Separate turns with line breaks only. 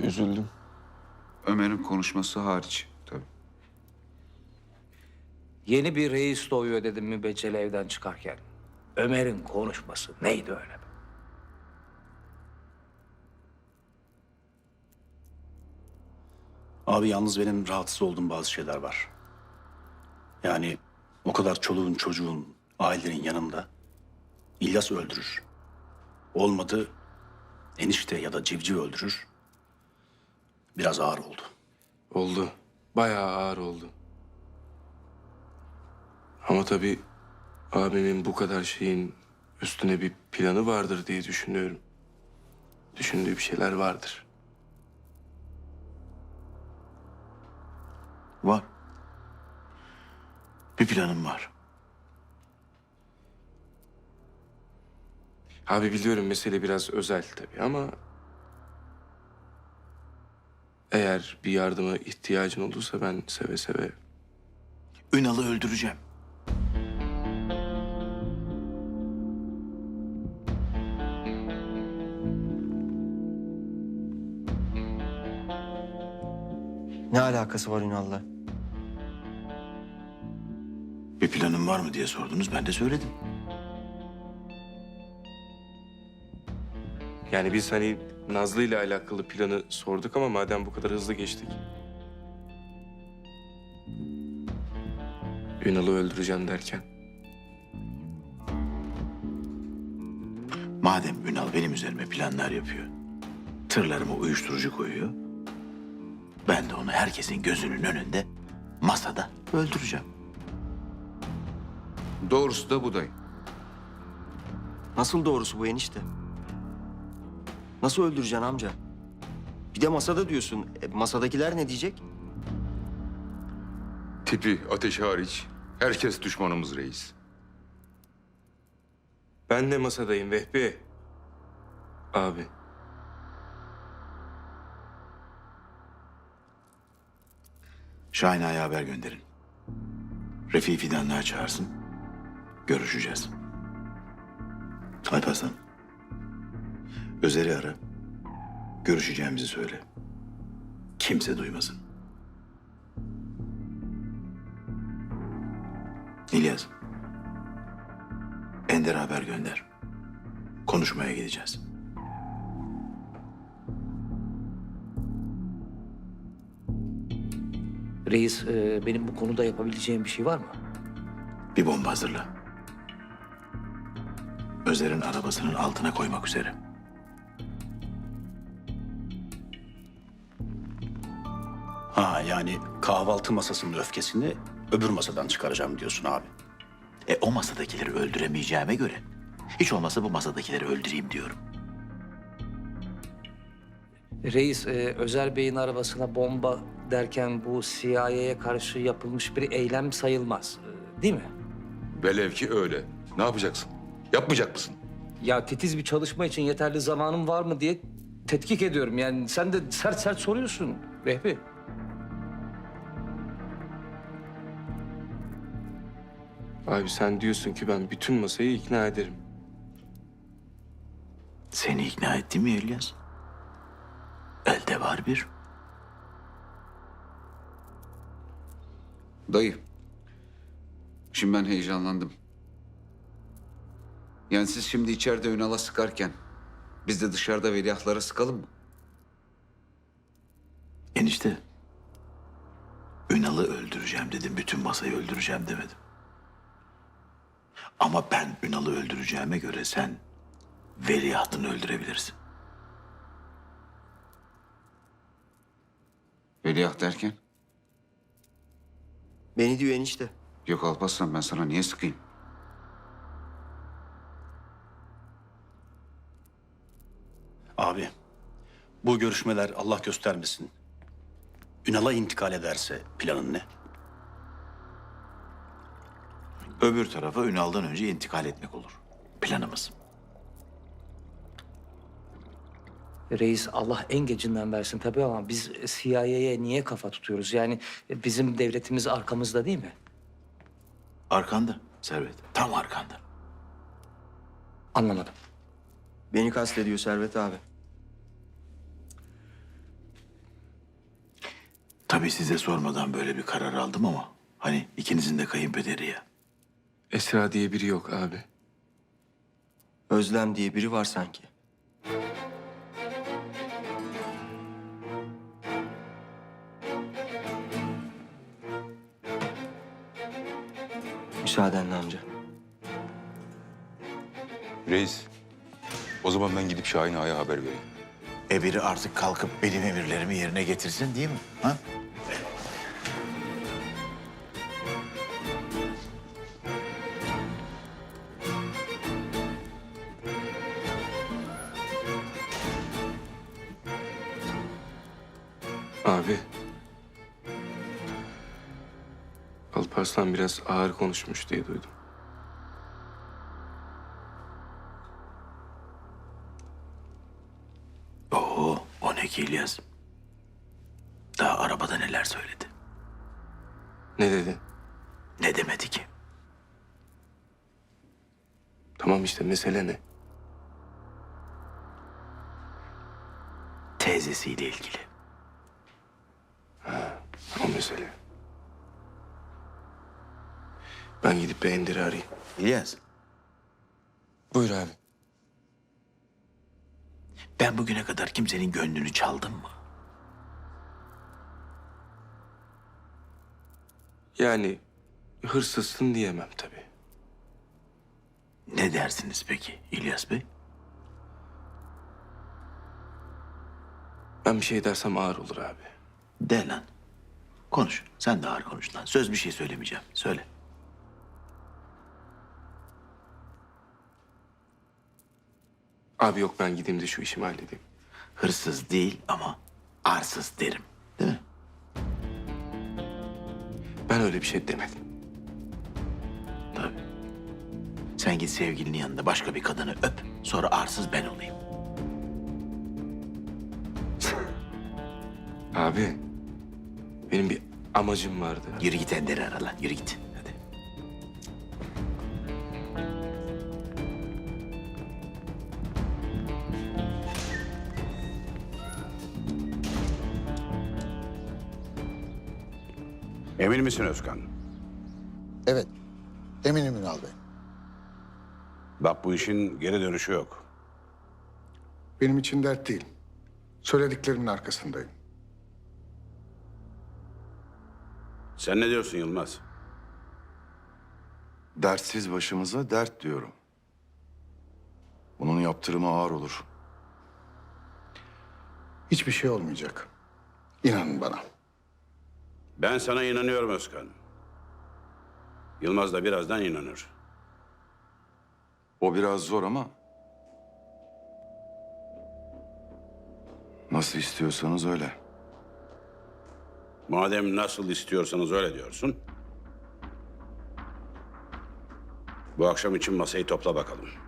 Üzüldüm.
Ömer'in konuşması hariç tabii.
Yeni bir reis doğuyor dedim mübeccel evden çıkarken. Ömer'in konuşması neydi öyle be?
Abi yalnız benim rahatsız olduğum bazı şeyler var. Yani o kadar çoluğun çocuğun ailenin yanında İlyas öldürür. Olmadı enişte ya da civciv öldürür. Biraz ağır oldu.
Oldu. Bayağı ağır oldu. Ama tabii abimin bu kadar şeyin üstüne bir planı vardır diye düşünüyorum. Düşündüğü bir şeyler vardır.
Var. Bir planım var.
Abi biliyorum mesele biraz özel tabii ama... Eğer bir yardıma ihtiyacın olursa ben seve seve...
Ünal'ı öldüreceğim.
Ne alakası var Ünal'la?
Bir planım var mı diye sordunuz. Ben de söyledim.
Yani biz hani Nazlı ile alakalı planı sorduk ama madem bu kadar hızlı geçtik. Ünal'ı öldüreceğim derken.
Madem Ünal benim üzerime planlar yapıyor, tırlarıma uyuşturucu koyuyor, ben de onu herkesin gözünün önünde masada öldüreceğim.
Doğrusu da bu dayı.
Nasıl doğrusu bu enişte? Nasıl öldüreceksin amca? Bir de masada diyorsun. Masadakiler ne diyecek?
Tipi, ateşi hariç herkes düşmanımız reis.
Ben de masadayım Vehbi. Abi.
Şahin Ağa'ya haber gönderin. Refik'i Fidanlığa çağırsın. Görüşeceğiz. Alparslan. Özer'i ara. Görüşeceğimizi söyle. Kimse duymasın. İlyas. Ender'e haber gönder. Konuşmaya gideceğiz.
Reis, benim bu konuda yapabileceğim bir şey var mı?
Bir bomba hazırla. Özer'in arabasının altına koymak üzere.
Ha yani kahvaltı masasının öfkesini öbür masadan çıkaracağım diyorsun abi.
O masadakileri öldüremeyeceğime göre hiç olmazsa bu masadakileri öldüreyim diyorum.
Reis, Özer Bey'in arabasına bomba derken bu CIA'ya karşı yapılmış bir eylem sayılmaz. Değil mi?
Velev ki öyle. Ne yapacaksın? Yapmayacak mısın?
Ya titiz bir çalışma için yeterli zamanım var mı diye tetkik ediyorum. Yani sen de sert sert soruyorsun Vehbi.
Abi sen diyorsun ki ben bütün masayı ikna ederim.
Seni ikna ettim mi İlyas? Elde var bir.
Dayı. Şimdi ben heyecanlandım. Yani siz şimdi içeride Ünal'a sıkarken biz de dışarıda veliahtlara sıkalım mı?
Enişte. Ünal'ı öldüreceğim dedim. Bütün masayı öldüreceğim demedim. Ama ben Ünal'ı öldüreceğime göre sen veliahtını öldürebilirsin.
Veliaht derken?
Beni diyor enişte.
Yok Alparslan, ben sana niye sıkayım?
Abi bu görüşmeler Allah göstermesin. Ünal'a intikal ederse planın ne?
Öbür tarafa Ünal'dan önce intikal etmek olur. Planımız.
Reis, Allah en gecinden versin tabii ama biz CIA'ya niye kafa tutuyoruz? Yani bizim devletimiz arkamızda değil mi?
Arkanda Servet. Tam arkanda.
Anlamadım.
Beni kastediyor Servet abi.
Tabii size sormadan böyle bir karar aldım ama hani ikinizin de kayınpederi ya.
Esra diye biri yok abi.
Özlem diye biri var sanki. Müsaadenle amca.
Reis, o zaman ben gidip Şahin Ağa'ya haber vereyim.
Biri artık kalkıp benim emirlerimi yerine getirsin değil mi? Ha?
Abi. Alparslan biraz ağır konuşmuş diye duydum.
O ne ki İlyas? Daha arabada neler söyledi?
Ne dedi?
Ne demedi ki?
Tamam işte mesele ne?
Teyzesiyle ilgili.
O mesele. Ben gidip bir Ender'i arayayım.
İlyas,
Buyur abi.
ben bugüne kadar kimsenin gönlünü çaldım mı?
Yani hırsızsın diyemem tabii.
Ne dersiniz peki İlyas Bey?
Ben bir şey dersem ağır olur abi.
De lan. Konuş. Sen de ağır konuş lan. Söz bir şey söylemeyeceğim. Söyle.
Abi yok ben gideyim de şu işimi halledeyim.
Hırsız değil ama arsız derim. Değil mi?
Ben öyle bir şey demedim.
Tabii. Sen git sevgilinin yanında başka bir kadını öp. Sonra arsız ben olayım.
Abi benim bir amacım vardı.
Yürü git Ender'i ara lan. Yürü git. Hadi.
Emin misin Özkan?
Evet, eminim Ünal Bey.
Bak bu işin geri dönüşü yok.
Benim için dert değil. Söylediklerimin arkasındayım.
Sen ne diyorsun Yılmaz?
Dertsiz başımıza dert diyorum. Bunun yaptırımı ağır olur.
Hiçbir şey olmayacak. İnanın bana.
Ben sana inanıyorum Özkan. Yılmaz da birazdan inanır.
O biraz zor ama... Nasıl istiyorsanız öyle.
Madem nasıl istiyorsanız öyle diyorsun. Bu akşam için masayı topla bakalım.